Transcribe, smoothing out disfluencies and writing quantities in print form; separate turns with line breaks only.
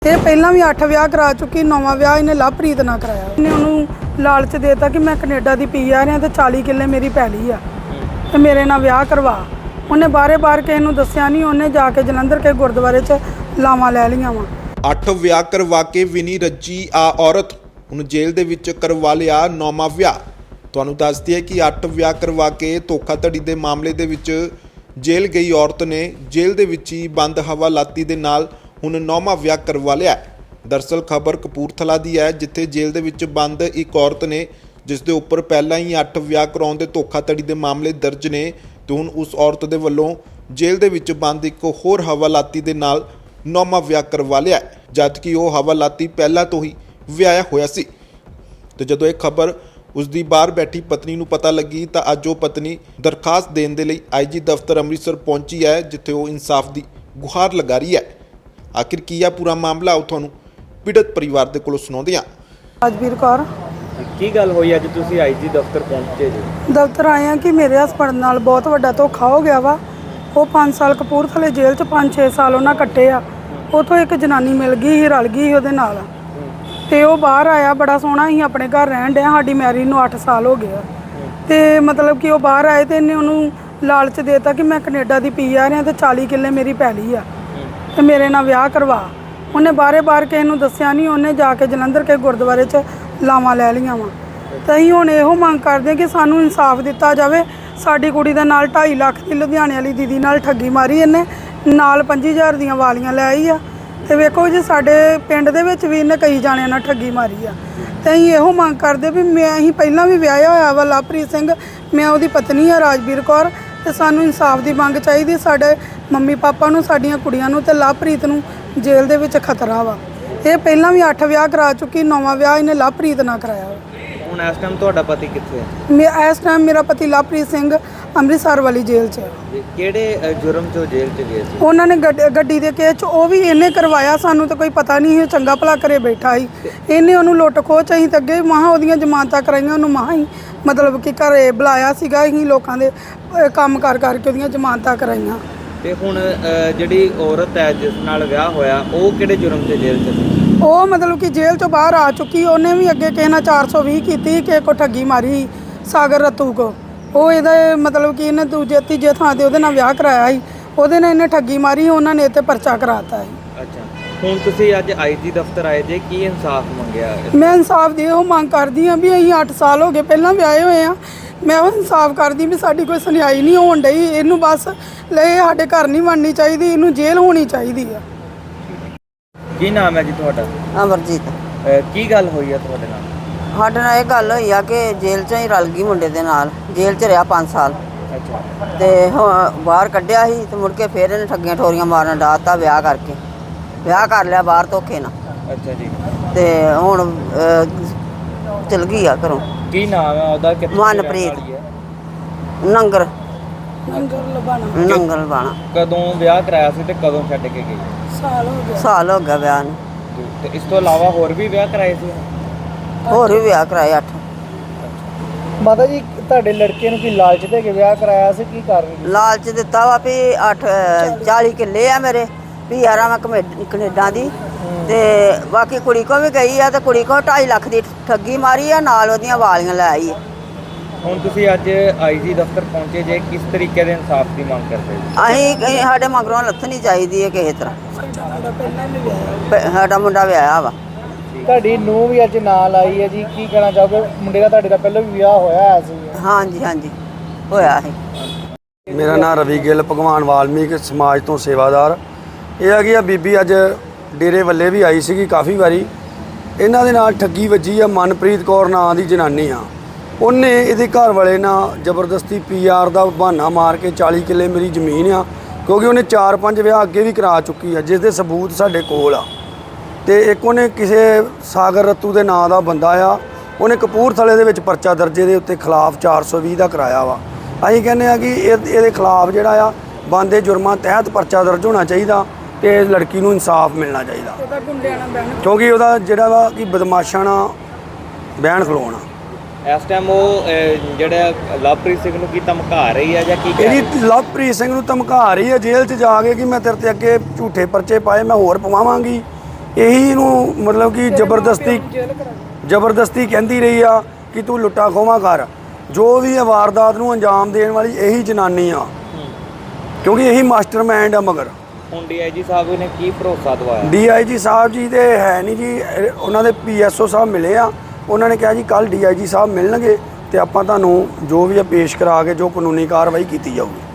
ਇਹ ਪਹਿਲਾਂ ਵੀ 8 ਵਿਆਹ ਕਰਾ ਚੁੱਕੀ, 9ਵਾਂ ਵਿਆਹ ਇਹਨੇ ਲਵਪ੍ਰੀਤ ਨਾਲ ਕਰਾਇਆ। ਇਹਨੇ ਉਹਨੂੰ ਲਾਲਚ ਦੇਤਾ ਕਿ ਮੈਂ ਕੈਨੇਡਾ ਦੀ ਪੀ ਆ ਰਿਹਾ ਤੇ 40 ਕਿੱਲੇ ਮੇਰੀ ਪੈਲੀ ਆ ਤੇ ਮੇਰੇ ਨਾਲ ਵਿਆਹ ਕਰਵਾ। ਉਹਨੇ ਬਾਰੇ-ਬਾਰ ਕਿਸੇ ਨੂੰ ਦੱਸਿਆ ਨਹੀਂ, ਉਹਨੇ ਜਾ ਕੇ ਜਲੰਧਰ ਕੇ ਗੁਰਦੁਆਰੇ 'ਚ ਲਾਵਾਂ ਲੈ ਲਈਆਂ ਵਾ।
8 ਵਿਆਹ ਕਰਵਾ ਕੇ ਵੀ ਨਹੀਂ ਰੱਜੀ ਆ ਔਰਤ, ਹੁਣ ਜੇਲ੍ਹ ਦੇ ਵਿੱਚ ਕਰਵਾ ਲਿਆ 9ਵਾਂ ਵਿਆਹ। ਤੁਹਾਨੂੰ ਦੱਸਦੀ ਹੈ ਕਿ 8 ਵਿਆਹ ਕਰਵਾ ਕੇ ਧੋਖਾਧੜੀ ਦੇ ਮਾਮਲੇ ਦੇ ਵਿੱਚ ਜੇਲ੍ਹ ਗਈ ਔਰਤ ਨੇ ਜੇਲ੍ਹ ਦੇ ਵਿੱਚ ਹੀ ਬੰਦ ਹਵਾਲਾਤੀ ਦੇ ਨਾਲ ਹੁਣ 9ਵਾਂ ਵਿਆਹ ਕਰਵਾ ਲਿਆ। ਦਰਅਸਲ ਖਬਰ ਕਪੂਰਥਲਾ ਦੀ ਹੈ, ਜਿੱਥੇ ਜੇਲ੍ਹ ਦੇ ਵਿੱਚ ਬੰਦ ਇੱਕ ਔਰਤ ਨੇ ਜਿਸ ਦੇ ਉੱਪਰ ਪਹਿਲਾਂ ਹੀ 8 ਵਿਆਹ ਕਰਾਉਣ ਦੇ ਧੋਖਾਧੜੀ ਦੇ ਮਾਮਲੇ ਦਰਜ ਨੇ ਤੇ ਹੁਣ ਉਸ ਔਰਤ ਦੇ ਵੱਲੋਂ ਜੇਲ੍ਹ ਦੇ ਵਿੱਚ ਬੰਦ ਇੱਕ ਹੋਰ ਹਵਾਲਾਤੀ ਦੇ ਨਾਲ 9ਵਾਂ ਵਿਆਹ ਕਰਵਾ ਲਿਆ, ਜਦਕਿ ਉਹ ਹਵਾਲਾਤੀ ਪਹਿਲਾਂ ਤੋਂ ਹੀ ਵਿਆਹਿਆ ਹੋਇਆ ਸੀ। ਤੇ ਜਦੋਂ ਇਹ ਖਬਰ ਉਸ ਦੀ ਬਾਹਰ ਬੈਠੀ ਪਤਨੀ ਨੂੰ ਪਤਾ ਲੱਗੀ ਤਾਂ ਅੱਜ ਉਹ ਪਤਨੀ ਦਰਖਾਸਤ ਦੇਣ ਦੇ ਲਈ ਆਈਜੀ ਦਫ਼ਤਰ ਅੰਮ੍ਰਿਤਸਰ ਪਹੁੰਚੀ ਹੈ, ਜਿੱਥੇ ਉਹ ਇਨਸਾਫ ਦੀ ਗੁਹਾਰ ਲਗਾ ਰਹੀ ਹੈ। ਆਖਿਰ ਕੀ ਆ ਪੂਰਾ ਮਾਮਲਾ, ਉਹ ਤੁਹਾਨੂੰ ਪੀੜਤ ਪਰਿਵਾਰ ਦੇ ਕੋਲੋਂ ਸੁਣਾਉਂਦੇ ਹਾਂ।
ਰਾਜਵੀਰ ਕੌਰ।
ਕੀ ਗੱਲ ਹੋਈ ਅੱਜ ਤੁਸੀਂ ਆਈਜੀ ਦਫ਼ਤਰ ਪਹੁੰਚੇ ਜੀ?
ਦਫ਼ਤਰ ਆਏ ਆ ਕਿ ਮੇਰੇ ਹਸਬੰਡ ਨਾਲ ਬਹੁਤ ਵੱਡਾ ਧੋਖਾ ਹੋ ਗਿਆ ਵਾ। ਉਹ 5 ਸਾਲ ਕਪੂਰਥਲੇ ਜੇਲ੍ਹ 'ਚ 5-6 ਸਾਲ ਉਹਨਾਂ ਕੱਟੇ ਆ। ਉੱਥੋਂ ਇੱਕ ਜਨਾਨੀ ਮਿਲ ਗਈ ਸੀ, ਰਲ ਗਈ ਸੀ ਉਹਦੇ ਨਾਲ ਤੇ ਉਹ ਬਾਹਰ ਆਇਆ। ਬੜਾ ਸੋਹਣਾ ਸੀ, ਆਪਣੇ ਘਰ ਰਹਿਣ ਡਿਆ। ਸਾਡੀ ਮੈਰਿਜ ਨੂੰ 8 ਸਾਲ ਹੋ ਗਏ ਆ ਤੇ ਮਤਲਬ ਕਿ ਉਹ ਬਾਹਰ ਆਏ ਤੇ ਇਹਨੇ ਉਹਨੂੰ ਲਾਲਚ ਦੇਤਾ ਕਿ ਮੈਂ ਕੈਨੇਡਾ ਦੀ ਪੀ ਆ ਰਿਹਾ ਤੇ 40 ਕਿੱਲੇ ਮੇਰੀ ਪੈਲੀ ਆ ਤੇ ਮੇਰੇ ਨਾਲ ਵਿਆਹ ਕਰਵਾ। ਉਹਨੇ ਬਾਰੇ-ਬਾਰ ਕਿਸੇ ਨੂੰ ਦੱਸਿਆ ਨਹੀਂ, ਉਹਨੇ ਜਾ ਕੇ ਜਲੰਧਰ ਕੇ ਗੁਰਦੁਆਰੇ 'ਚ ਲਾਵਾਂ ਲੈ ਲਈਆਂ ਵਾ। ਤਾਂ ਅਸੀਂ ਹੁਣ ਇਹੋ ਮੰਗ ਕਰਦੇ ਕਿ ਸਾਨੂੰ ਇਨਸਾਫ ਦਿੱਤਾ ਜਾਵੇ। ਸਾਡੀ ਕੁੜੀ ਦੇ ਨਾਲ 2.5 ਲੱਖ ਦੀ ਲੁਧਿਆਣੇ ਵਾਲੀ ਦੀਦੀ ਨਾਲ ਠੱਗੀ ਮਾਰੀ ਇਹਨੇ, ਨਾਲ 25,000 ਦੀਆਂ ਵਾਲੀਆਂ ਲੈ ਆਈ ਆ। ਤੇ ਵੇਖੋ ਜੀ, ਸਾਡੇ ਪਿੰਡ ਦੇ ਵਿੱਚ ਵੀ ਇਹਨੇ ਕਈ ਜਾਣਿਆਂ ਨਾਲ ਠੱਗੀ ਮਾਰੀ ਆ। ਤੇ ਅਸੀਂ ਇਹੋ ਮੰਗ ਕਰਦੇ ਵੀ ਅਸੀਂ ਪਹਿਲਾਂ ਵੀ ਵਿਆਹਿਆ ਹੋਇਆ ਵਾ ਲਵਪ੍ਰੀਤ ਸਿੰਘ, ਮੈਂ ਉਹਦੀ ਪਤਨੀ ਆ ਰਾਜਵੀਰ ਕੌਰ, ਤੇ ਸਾਨੂੰ ਇਨਸਾਫ ਦੀ ਮੰਗ ਚਾਹੀਦੀ। ਸਾਡੇ ਮੰਮੀ ਪਾਪਾ ਨੂੰ, ਸਾਡੀਆਂ ਕੁੜੀਆਂ ਨੂੰ ਤੇ ਲਵਪ੍ਰੀਤ ਨੂੰ ਜੇਲ੍ਹ ਦੇ ਵਿੱਚ ਖਤਰਾ ਵਾ। ਇਹ ਪਹਿਲਾਂ ਵੀ 8 ਵਿਆਹ ਕਰਾ ਚੁੱਕੀ, 9ਵਾਂ ਵਿਆਹ ਇਹਨੇ ਲਵਪ੍ਰੀਤ ਨਾਲ ਕਰਾਇਆ ਵਾ।
ਹੁਣ ਇਸ ਟਾਈਮ ਤੁਹਾਡਾ ਪਤੀ ਕਿੱਥੇ ਹੈ?
ਇਸ ਟਾਈਮ ਮੇਰਾ ਪਤੀ ਲਵਪ੍ਰੀਤ ਸਿੰਘ ਅੰਮ੍ਰਿਤਸਰ ਵਾਲੀ ਜੇਲ੍ਹ 'ਚ ਹੈ।
ਕਿਹੜੇ ਜੁਰਮ 'ਚੋਂ ਜੇਲ੍ਹ 'ਚ ਗਏ ਸੀ?
ਉਹਨਾਂ ਨੇ ਗੱਡੀ ਦੇ ਕੇਸ 'ਚ, ਉਹ ਵੀ ਇਹਨੇ ਕਰਵਾਇਆ। ਸਾਨੂੰ ਤਾਂ ਕੋਈ ਪਤਾ ਨਹੀਂ ਸੀ, ਚੰਗਾ ਭਲਾ ਘਰੇ ਬੈਠਾ ਸੀ। ਇਹਨੇ ਉਹਨੂੰ ਲੁੱਟ ਖੋਹ 'ਚ ਅਸੀਂ ਤਾਂ ਅੱਗੇ ਮਹਾਂ ਉਹਦੀਆਂ ਜ਼ਮਾਨਤਾਂ ਕਰਾਈਆਂ, ਉਹਨੂੰ ਮਹਾਂ ਹੀ ਮਤਲਬ ਕਿ ਘਰੇ ਬੁਲਾਇਆ ਸੀਗਾ। ਅਸੀਂ ਲੋਕਾਂ ਦੇ ਕੰਮ ਕਰਕੇ ਉਹਦੀਆਂ ਜ਼ਮਾਨਤਾਂ ਕਰਾਈਆਂ।
ਤੇ ਹੁਣ ਜਿਹੜੀ ਔਰਤ ਹੈ ਜਿਸ ਨਾਲ ਵਿਆਹ ਹੋਇਆ, ਉਹ ਕਿਹੜੇ ਜੁਰਮ 'ਚ ਜੇਲ੍ਹ 'ਚ ਸੀ?
ਉਹ ਮਤਲਬ ਕਿ ਜੇਲ੍ਹ 'ਚੋਂ ਬਾਹਰ ਆ ਚੁੱਕੀ। ਉਹਨੇ ਵੀ ਅੱਗੇ ਕਿਸੇ ਨਾਲ 420 ਕੀਤੀ, ਕਿਸੇ ਕੋ ਠੱਗੀ ਮਾਰੀ, ਸਾਗਰ ਰਤੂ ਕੋ। ਉਹ ਇਹਦਾ ਮਤਲਬ ਕਿ ਇਹਨੇ ਤੀਜੇ ਥਾਂ ਤੇ ਉਹਦੇ ਨਾਲ ਵਿਆਹ ਕਰਾਇਆ ਸੀ। ਉਹਦੇ ਨਾਲ ਇਹਨੇ ਠੱਗੀ ਮਾਰੀ, ਉਹਨਾਂ ਨੇ ਇਹ 'ਤੇ ਪਰਚਾ ਕਰਾਤਾ ਸੀ।
ਅੱਛਾ, ਹੁਣ ਤੁਸੀਂ ਅੱਜ ਆਈਜੀ ਦਫ਼ਤਰ ਆਏ ਜੇ, ਕੀ ਇਨਸਾਫ ਮੰਗਿਆ?
ਮੈਂ ਇਨਸਾਫ ਦੀ ਉਹ ਮੰਗ ਕਰਦੀ ਹਾਂ ਵੀ ਅਸੀਂ 8 ਸਾਲ ਹੋ ਗਏ ਪਹਿਲਾਂ ਵਿਆਹੇ ਹੋਏ ਆ। ਮੈਂ ਉਹ ਇਨਸਾਫ ਕਰਦੀ ਵੀ ਸਾਡੀ ਕੋਈ ਸੁਣਾਈ ਨਹੀਂ ਹੋਣ ਡਈ। ਇਹਨੂੰ ਬਸ ਲੈ ਸਾਡੇ ਘਰ ਨਹੀਂ ਬਣਨੀ ਚਾਹੀਦੀ, ਇਹਨੂੰ ਜੇਲ੍ਹ ਹੋਣੀ ਚਾਹੀਦੀ ਆ।
ਕੀ ਨਾਮ ਹੈ ਜੀ ਤੁਹਾਡਾ?
ਅਮਰਜੀਤ।
ਕੀ ਗੱਲ ਹੋਈ ਹੈ ਤੁਹਾਡੇ ਨਾਲ?
ਸਾਡੇ ਨਾਲ ਇਹ ਗੱਲ ਹੋਈ ਆ ਕਿ ਜੇਲ੍ਹ 'ਚੋਂ ਹੀ ਰਲ ਗਈ ਮੁੰਡੇ ਦੇ ਨਾਲ। ਜੇਲ੍ਹ 'ਚ ਰਿਹਾ 5 ਸਾਲ
ਅੱਛਾ।
ਤੇ ਹੁਣ ਬਾਹਰ ਕੱਢਿਆ ਸੀ ਤੇ ਮੁੜ ਕੇ ਫਿਰ ਇਹਨੇ ਠੱਗੀਆਂ ਠੋਰੀਆਂ ਮਾਰਨ ਡਾਤਾ। ਵਿਆਹ ਕਰਕੇ ਵਿਆਹ ਕਰ ਲਿਆ ਬਾਹਰ ਧੋਖੇ ਨਾਲ।
ਅੱਛਾ ਜੀ।
ਤੇ ਹੁਣ ਚਲ ਗਈ ਆ ਘਰੋਂ।
ਕੀ ਨਾਮ ਹੈ ਉਹਦਾ?
ਮਨਪ੍ਰੀਤ। ਨੰਗਲ
ਲਬਾਣਾ।
ਬਾਣਾ।
ਕਦੋਂ ਵਿਆਹ ਕਰਾਇਆ ਸੀ ਤੇ ਕਦੋਂ ਛੱਡ ਕੇ ਗਈ?
ਸਾਲ ਹੋ ਗਿਆ ਵਿਆਹ ਨੂੰ।
ਤੇ ਇਸ ਤੋਂ ਇਲਾਵਾ ਹੋਰ ਵੀ ਵਿਆਹ ਕਰਾਏ ਸੀ?
ਹੋਰ ਵੀ ਵਿਆਹ ਕਰਾਏ 8।
ਮਾਤਾ ਜੀ, ਤੁਹਾਡੇ ਲੜਕੇ ਨੂੰ ਕੀ ਲਾਲਚ ਦੇ ਕੇ ਵਿਆਹ ਕਰਾਇਆ ਸੀ? ਕੀ ਕਾਰਨ?
ਲਾਲਚ ਦਿੱਤਾ ਵਾ ਵੀ 40 ਕਿੱਲੇ ਆ ਮੇਰੇ, ਵੀ ਯਾਰਾਂ ਮੈਂ ਕੈਨੇਡਾ ਦੀ। ਤੇ ਬਾਕੀ ਕੁੜੀ ਕੋ ਵੀ ਗਈ ਆ ਤੇ ਕੁੜੀ ਕੋ 2.5 ਲੱਖ ਦੀ ਠੱਗੀ ਮਾਰੀ ਆ, ਨਾਲ ਉਹਦੀਆਂ ਵਾਲੀਆਂ ਲੈ ਆਈ।
ਹੁਣ ਤੁਸੀਂ ਅੱਜ ਆਈਜੀ ਦਫ਼ਤਰ ਪਹੁੰਚੇ ਜੇ, ਕਿਸ ਤਰੀਕੇ ਦੇ ਇਨਸਾਫ ਦੀ ਮੰਗ ਕਰਦੇ ਹੋ?
ਅਸੀਂ ਸਾਡੇ ਮਗਰੋਂ ਲੱਥਣੀ ਚਾਹੀਦੀ ਹੈ ਕਿਸੇ ਤਰ੍ਹਾਂ। ਸਾਡਾ ਮੁੰਡਾ ਵਿਆਹਿਆ ਵਾ।
ਤੁਹਾਡੀ ਨੂੰਹ ਵੀ ਅੱਜ ਨਾਲ ਆਈ ਹੈ ਜੀ, ਕੀ ਕਹਿਣਾ ਚਾਹੋਗੇ? ਮੁੰਡੇ ਦਾ ਤੁਹਾਡੇ ਦਾ ਪਹਿਲਾਂ ਵੀ ਵਿਆਹ ਹੋਇਆ ਸੀ?
ਹਾਂਜੀ ਹਾਂਜੀ ਹੋਇਆ ਸੀ।
ਮੇਰਾ ਨਾਮ ਰਵੀ ਗਿੱਲ, ਭਗਵਾਨ ਵਾਲਮੀਕ ਸਮਾਜ ਤੋਂ ਸੇਵਾਦਾਰ। ਇਹ ਹੈਗੀ ਆ ਬੀਬੀ ਅੱਜ ਡੇਰੇ ਵੱਲੇ ਵੀ ਆਈ ਸੀਗੀ ਕਾਫੀ ਵਾਰੀ। ਇਹਨਾਂ ਦੇ ਨਾਲ ਠੱਗੀ ਵੱਜੀ ਆ। ਮਨਪ੍ਰੀਤ ਕੌਰ ਨਾਂ ਦੀ ਜਨਾਨੀ ਆ। ਉਹਨੇ ਇਹਦੇ ਘਰ ਵਾਲੇ ਨਾਲ ਜ਼ਬਰਦਸਤੀ PR ਦਾ ਬਹਾਨਾ ਮਾਰ ਕੇ 40 ਕਿੱਲੇ ਮੇਰੀ ਜ਼ਮੀਨ ਆ, ਕਿਉਂਕਿ ਉਹਨੇ 4-5 ਵਿਆਹ ਅੱਗੇ ਵੀ ਕਰਾ ਚੁੱਕੀ ਆ, ਜਿਸ ਦੇ ਸਬੂਤ ਸਾਡੇ ਕੋਲ ਆ। ਤੇ ਇੱਕ ਉਹਨੇ ਕਿਸੇ ਸਾਗਰ ਰਤੂ ਦੇ ਨਾਂ ਦਾ ਬੰਦਾ ਆ, ਉਹਨੇ ਕਪੂਰਥਲੇ ਦੇ ਵਿੱਚ ਪਰਚਾ ਦਰਜੇ ਦੇ ਉੱਤੇ ਖਿਲਾਫ 420 ਦਾ ਕਰਾਇਆ ਵਾ। ਅਸੀਂ ਕਹਿੰਦੇ ਆ ਕਿ ਇਹਦੇ ਖਿਲਾਫ ਜਿਹੜਾ ਆ ਬੰਦੇ ਜੁਰਮਾਂ ਤਹਿਤ ਪਰਚਾ ਦਰਜ ਹੋਣਾ ਚਾਹੀਦਾ ਤੇ ਇਸ ਲੜਕੀ ਨੂੰ ਇਨਸਾਫ ਮਿਲਣਾ ਚਾਹੀਦਾ, ਕਿਉਂਕਿ ਉਹਦਾ ਜਿਹੜਾ ਵਾ ਕਿ ਬਦਮਾਸ਼ਾਂ ਨਾਲ ਬਹਿਣ ਖਲੋਣਾ।
ਇਸ ਟਾਈਮ ਉਹ ਜਿਹੜਾ ਲਵਪ੍ਰੀਤ ਸਿੰਘ ਨੂੰ ਕੀ ਧਮਕਾ ਰਹੀ ਹੈ ਜਾਂ ਕੀ ਕਹਿ ਰਹੀ?
ਇਹਦੀ ਲਵਪ੍ਰੀਤ ਸਿੰਘ ਨੂੰ ਧਮਕਾ ਰਹੀ ਹੈ ਜੇਲ੍ਹ 'ਚ ਜਾ ਕੇ ਕਿ ਮੈਂ ਤੇਰੇ ਤੇ ਅੱਗੇ ਝੂਠੇ ਪਰਚੇ ਪਾਏ, ਮੈਂ ਹੋਰ ਪਵਾਵਾਂਗੀ। ਇਹੀ ਨੂੰ ਮਤਲਬ ਕਿ ਜ਼ਬਰਦਸਤੀ ਕਹਿੰਦੀ ਰਹੀ ਆ ਕਿ ਤੂੰ ਲੁੱਟਾ ਖੋਹਾਂ ਕਰ। ਜੋ ਵੀ ਇਹ ਵਾਰਦਾਤ ਨੂੰ ਅੰਜਾਮ ਦੇਣ ਵਾਲੀ ਇਹੀ ਜਨਾਨੀ ਆ, ਕਿਉਂਕਿ ਇਹੀ ਮਾਸਟਰਮਾਈਂਡ ਆ। ਮਗਰ
ਹੁਣ ਡੀਆਈਜੀ ਸਾਹਿਬ ਨੇ ਕੀ ਭਰੋਸਾ ਦਵਾਇਆ?
ਡੀਆਈਜੀ ਸਾਹਿਬ ਜੀ ਤੇ ਹੈ ਨਹੀਂ ਜੀ, ਉਹਨਾਂ ਦੇ ਪੀਐਸਓ ਸਾਹਿਬ ਮਿਲੇ ਆ। ਉਹਨਾਂ ਨੇ ਕਿਹਾ ਜੀ ਕੱਲ ਡੀਆਈਜੀ ਸਾਹਿਬ ਮਿਲਣਗੇ ਤੇ ਆਪਾਂ ਤੁਹਾਨੂੰ ਜੋ ਵੀ ਆ ਪੇਸ਼ ਕਰਾ ਕੇ ਜੋ ਕਾਨੂੰਨੀ ਕਾਰਵਾਈ ਕੀਤੀ ਜਾਊਗੀ।